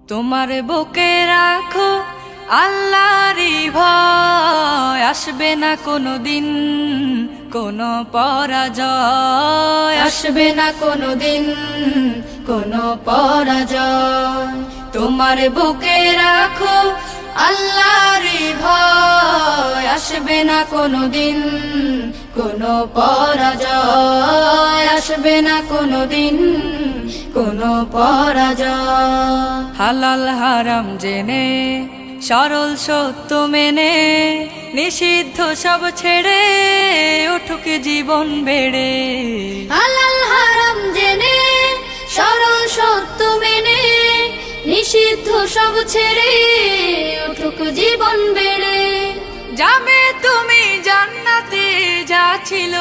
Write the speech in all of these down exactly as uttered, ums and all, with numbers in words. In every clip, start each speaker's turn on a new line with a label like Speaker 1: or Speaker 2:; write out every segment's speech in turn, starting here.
Speaker 1: তোমার বুকে রাখো আল্লাহরই ভয়, আসবে না কোনো দিন কোনো পরাজয়, আসবে না কোনো দিন কোনো পরাজয়। তোমার বুকে রাখো আল্লাহরই ভয়, আসবে না কোনো দিন কোনো পরাজয়, আসবে না কোনো দিন কোনো পরাজয়। হালাল হারাম জেনে সরল সত্য মেনে নিষিদ্ধ সব ছেড়ে উঠুক জীবন বেড়ে।
Speaker 2: হালাল হারাম জেনে সরল সত্য মেনে নিষিদ্ধ সব ছেড়ে উঠুক জীবন বেড়ে।
Speaker 1: যাবে তুমি জান্নাতে যা ছিল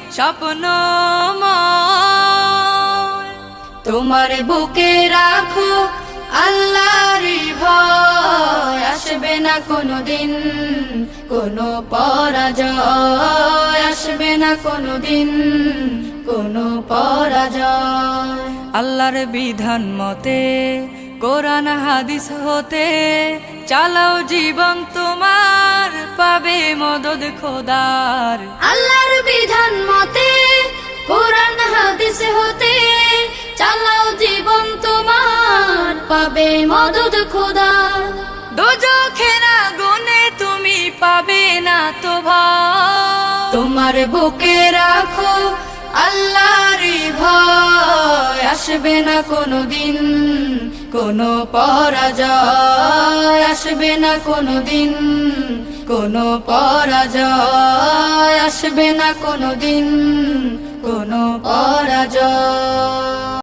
Speaker 1: স্বপ্নময়, তোমার বুকে রাখো আল্লাহরই ভয়, আসবে না কোনো দিন কোনো পরাজয়, আসবে না কোনো দিন কোনো পরাজয়। আল্লাহর বিধান মতে কোরআন হাদিস হতে চালাও জীবন তোমার, পাবে মদদ খোদার।
Speaker 2: আল্লাহর বিধান মতে কোরআন হাদিস হতে চালাও জীবন তোমার, পাবে মদদ খোদার।
Speaker 1: দোজখের আগুনে তুমি পাবে না তো ভয়, তোমার বুকে রাখো আল্লাহরই ভয়, আসবে না কোনো দিন কোনো পরাজয়, আসবে না কোনো দিন কোনো পরাজয়, আসবে না কোনো দিন কোনো পরাজয়।